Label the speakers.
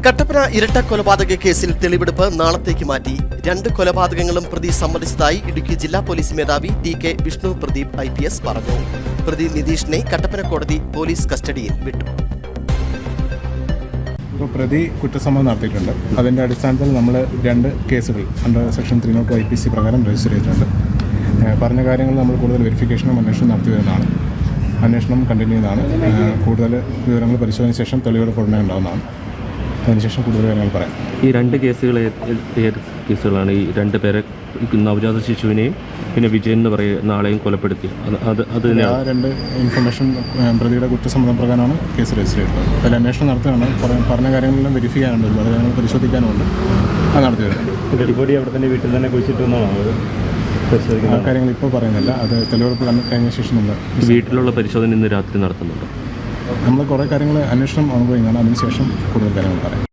Speaker 1: കട്ടപ്പന ഇരട്ട കൊലപാതക കേസിൽ തെളിവെടുപ്പ് നാളത്തേക്ക് മാറ്റി. 2 കൊലപാതകങ്ങളും പ്രതി സമ്മതിച്ചതായി ഇടുക്കി ജില്ലാ പോലീസ് മേധാവി TK വിഷ്ണു പ്രദീപ് IPS പറഞ്ഞു. പ്രതി നിതീഷിനെ കട്ടപ്പന കോടതി പോലീസ് കസ്റ്റഡിയിൽ വിട്ടു.
Speaker 2: പ്രതി കുറ്റസമ്മതം നടത്തിയിട്ടുണ്ട്. അതിൻ്റെ അടിസ്ഥാനത്തിൽ നമ്മൾ 2 കേസുകൾ അണ്ടർ സെക്ഷൻ 302 IPC പ്രകാരം രജിസ്റ്റർ ചെയ്തിട്ടുണ്ട്. പറഞ്ഞ കാര്യങ്ങൾ നമ്മൾ കൂടുതൽ വെരിഫിക്കേഷനും അന്വേഷണം നടത്തി വരുന്നതാണ്. അന്വേഷണം കണ്ടിന്യൂ ചെയ്യുന്നതാണ്. കൂടുതൽ വിവരങ്ങൾ പരിശോധനയ്ക്ക് ശേഷം തെളിവെടുപ്പ് ഉടനെ ഉണ്ടാകുന്നതാണ്. അതിനുശേഷം കൂടുതൽ കാര്യങ്ങൾ പറയാം.
Speaker 3: ഈ 2 കേസുകൾ ഏത് കേസുകളാണ്? ഈ 2 പേരെ നവജാത ശിശുവിനെയും പിന്നെ വിജയൻ എന്ന് പറയുന്ന ആളെയും കൊലപ്പെടുത്തി. അത്
Speaker 2: ആ 2 ഇൻഫർമേഷൻ പ്രതിയുടെ കുറ്റസമ്മതം പ്രകാരമാണ് കേസ് രജിസ്റ്റർ ചെയ്തത്. അതിൽ അന്വേഷണം നടത്തുകയാണ്. പറഞ്ഞ കാര്യങ്ങളെല്ലാം വെരിഫൈ ചെയ്യാനുണ്ട്, ഒരുപാട് കാര്യങ്ങൾ പരിശോധിക്കാനുണ്ട്. അത് നടത്തി വരുന്നത്
Speaker 4: ഡെഡിബോഡി അവിടെ തന്നെ വീട്ടിൽ തന്നെ കുഴിച്ചിട്ടുള്ളതാണ്.
Speaker 2: ആ കാര്യങ്ങൾ ഇപ്പോൾ പറയുന്നില്ല. അത് തെളിവെടുപ്പ് കഴിഞ്ഞ ശേഷം നമ്മൾ
Speaker 3: വീട്ടിലുള്ള പരിശോധന ഇന്ന് രാത്രി നടത്തുന്നുണ്ട്.
Speaker 2: നമ്മൾ കുറേ കാര്യങ്ങൾ അന്വേഷണം ഓൺഗോയിങ് ആണ്. അതിനുശേഷം കൂടുതൽ കാര്യങ്ങൾ പറയാം.